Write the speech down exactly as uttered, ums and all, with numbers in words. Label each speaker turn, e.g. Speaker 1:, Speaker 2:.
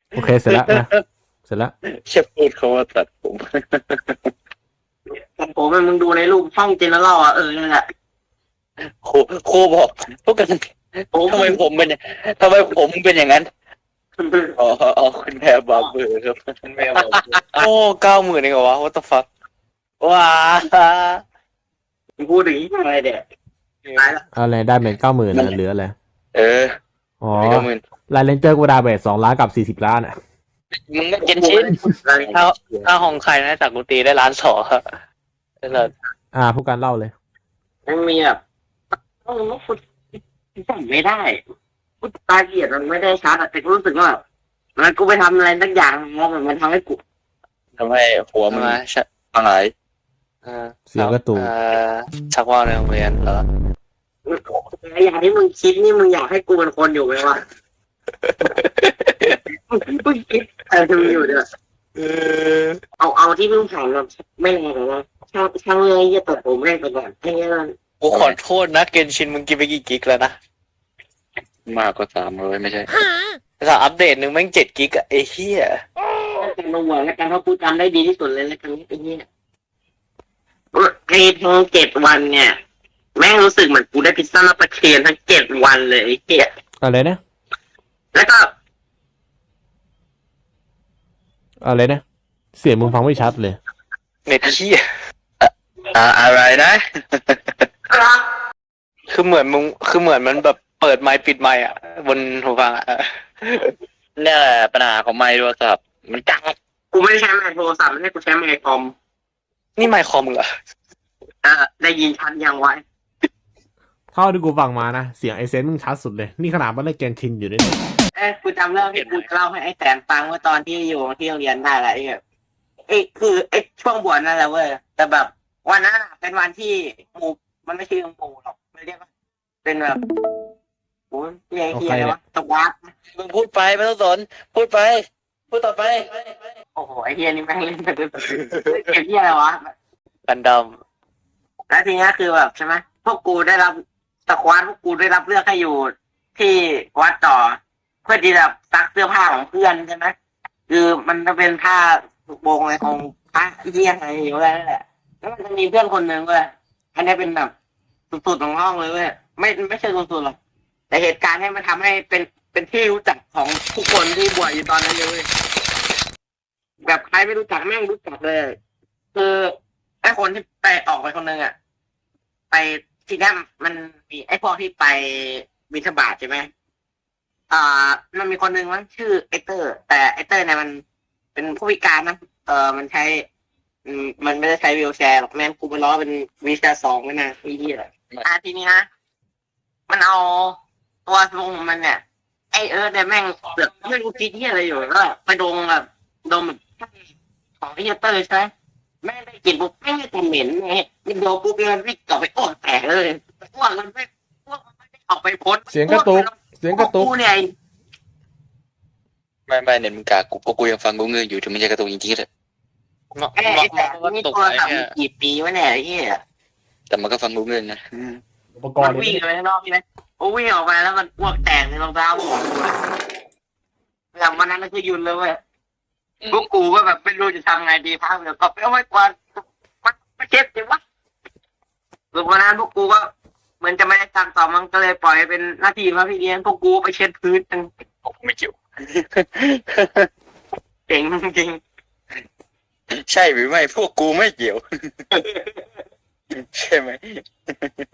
Speaker 1: โอเคเสร็จแล้วนะเสร็จแล้ว
Speaker 2: แค่พูดเขาว่าตัดผม
Speaker 3: แต่ผมมึงดูในรูปช่องเจเนอเรลอ่ะเออนั่นแหละ
Speaker 2: ครูครูบอกพวกกันทำไมผมเป็นทำไมผมเป็นอย่างนั้นอ๋ออ๋อคุณแม่บาร์เบอร์ครับคุณแม่บาร์เบอร์โอ้เก้าหมื่นเองเหรอวะ what the fuck ว้า
Speaker 3: มึงพูดถึงอะไรเด็ดตายละ
Speaker 1: อะไรได้เป็นเก้าหมื่นนะเหลืออะไร
Speaker 2: เออ
Speaker 1: อ๋อ
Speaker 2: เก้าหมื่น
Speaker 1: ลายเลนเจอร์กูได้ไปสองล้านกับสี่สิบล้านอ่ะ
Speaker 2: มึงก็เจนชินถ้าถ้าของใครนะจากกูตีได้ล้านสองครับแล้ว
Speaker 1: อ่าผู้การเล่าเลย
Speaker 3: มันมีแบบต้องพูดจำไม่ได้พูดตาเกียดมันไม่ได้ชัดแต่กูรู้สึกว่ามันกูไปทำอะไรสักอย่างแล้วมันทำให้กู
Speaker 2: ทำให้หัวมันพังหาย
Speaker 1: เสียงกระตุก
Speaker 2: ชักว่าวในโรงเรียนเหรอ
Speaker 3: อย่างที่มึงคิดนี่มึงอยากให้กูเป็นคนอยู่ไหมวะมึงคิดอะไรมึงอยู่เนี่ยเอาเอาที่มึงผ่านแบบไม่แรงหรอกนะช่างช่างเลยจะตัดผมแรกไปก่อนให้เงี้ยมัน
Speaker 2: กูขอโทษนะเกนชินมึงกินไปกี่กิกแล้วนะมากกว่าสามร้อยไม่ใช่แต่อัปเดตหนึ่งแม่งเจ็ดกิกอะไอ้เหี้ย
Speaker 3: การลงหัวแล้วกันเพราะกูจำได้ดีที่สุดเลยแล้วกันไอ้เงี้ยไอ้ทั้งเจ็ดวันเนี่ยแม่งรู้สึกเหมือนกูได้พิซซ่ามาประเคนทั้งเจ็ดวันเลยไอ้เหี้ย
Speaker 1: อะไรนะ
Speaker 3: แล้วก็
Speaker 1: อะไรนะเสียงมึงฟังไม่ชัดเลย
Speaker 2: เน็ตเหี้ยอ่าอะไรนะคือเหมือนมึงคือเหมือนมันแบบเปิดไมค์ปิดไมค์อ่ะบนหูฟังอ่ะเนี่ยแหละปัญหาของไมค์โทรศัพท์มันจัง
Speaker 3: กูไม่ได้ใช้ไมค์โทรศัพท์ไม่ได้กูใช้ไมค์คอม
Speaker 2: นี่ไมค์คอมเหรอ
Speaker 3: เออได้ยินชัดยังไว้
Speaker 1: เท่าที่กูฟังมานะเสียงไอเซนมึงชัดสุดเลยนี่ขนาดมันได้เกนชินอยู่ด้วย
Speaker 3: เอ้ยกูจำเรื่องที่กูเล่าให้ไอ้แสนฟังเมื่อตอนที่อยู่ที่โรงเรียนได้แหละไอ้แบบไอ้คือไอ้ช่วงบวชนั่นแหละเว้ยแต่แบบวันนั้นอะเป็นวันที่หมู่มันไม่ใช่หมู่หรอกไม่เรียกว่าเป็นแบบโอ้ยเรียกเฮียอะไรวะตะวัด
Speaker 2: มึงพูดไปไม่ต้องสนพูดไปพูดต่อไป
Speaker 3: โอ้โหไอ้เฮียนี่แม่งเล่นไปด้วยเก็บเฮียอะไรวะ
Speaker 2: กันดอม
Speaker 3: แล้วทีนี้คือแบบใช่ไหมพวกกูได้รับตะควานพวกกูได้รับเลือกให้อยู่ที่วัดต่อ เพื่อที่จะซักเสื้อผ้าของเพื่อนใช่ไหมคือมันจะเป็นผ้าโบงอะไรของพระเยี่ยงอะไรอยู่แล้วนั่นแหละแล้วมันจะมีเพื่อนคนหนึ่งเว้ยอันนี้เป็นแบบสุดๆของห้องเลยเว้ยไม่ไม่ใช่สุดๆหรอกแต่เหตุการณ์ให้มันทำให้เป็นเป็นที่รู้จักของทุกคนที่บวชอยู่ตอนนั้นเลยเว้ยแบบใครไม่รู้จักแม่งรู้จักเลยคือไอ้คนที่ไปออกไปคนหนึ่งอ่ะไปทีนี้มันมีไอ้พวกที่ไปบิณฑบาตใช่ไหมอ่ามันมีคนหนึ่งมั้งชื่อไอเตอร์ แต่ไอเตอร์เนี่ยมันเป็นผู้พิการนะเออมันใช้อืมมันไม่ได้ใช้วีลแชร์หรอกแม่งกูไปล้อเป็นวีลแชร์สองไว้นะพี่ที่อะไรอ่าทีนี้นะมันเอาตัวทรงของมันเนี่ยไอเอิร์ธเนี่ยแม่งเสือกไม่รู้คิดที่อะไรอยู่แล้วไปดมแบบดมแบบของไอเตอร์ใช่ไหมแม่งได้กลิ่นปุ๊บแม่งจะเหม็นไงมันโดนปุ๊บมันวิ่งกลับไปอ้วกแตกเลยอ้วกมันไม่อ้วกมันไม่ได้ออกไปพ้น
Speaker 1: เสียงกระตุกเสียงกระตุก
Speaker 3: กูเนี่ย
Speaker 2: ไม่ไม่เน็ตมึงกากูเพราะกูยังฟังกูเงยอยู่ถึงมันจะกระตุกจริงๆเลย
Speaker 3: ไอ้ไอ้แต่นี่โทรศัพท์กี่ปีวะเนี่ยไอ้เหี้ย
Speaker 2: แต่มันก็ฟังกูเงยนะ
Speaker 1: อุปกร
Speaker 3: มัน
Speaker 1: ณ์
Speaker 3: วิ่งไปข้างนอกใช่ไหมโอ้วิ่งออกมาแล้วมันอ้วกแตกในรองเท้าผมหลังวันนั้นก็คือยุนเลยเว้ยพวกกูก็แบบไม่รู้จะทำไงดีพักเดี๋ยวก็ไปเอาไว้ก่อนมันไม่เช็ดจริงวะหลังวันนั้นพวกกูก็เหมือนจะไม่ได้ตังต่อมันก็เลยปล่อยเป็นหน้าที่มาพี่เลี้ยงพวกกูไปเช็ดพื้นกัน
Speaker 2: ผมไม่เกี่ยว
Speaker 3: เก่งจริง
Speaker 2: ใช่หรือไม่พวกกูไม่เกี่ยว ใช่ไหม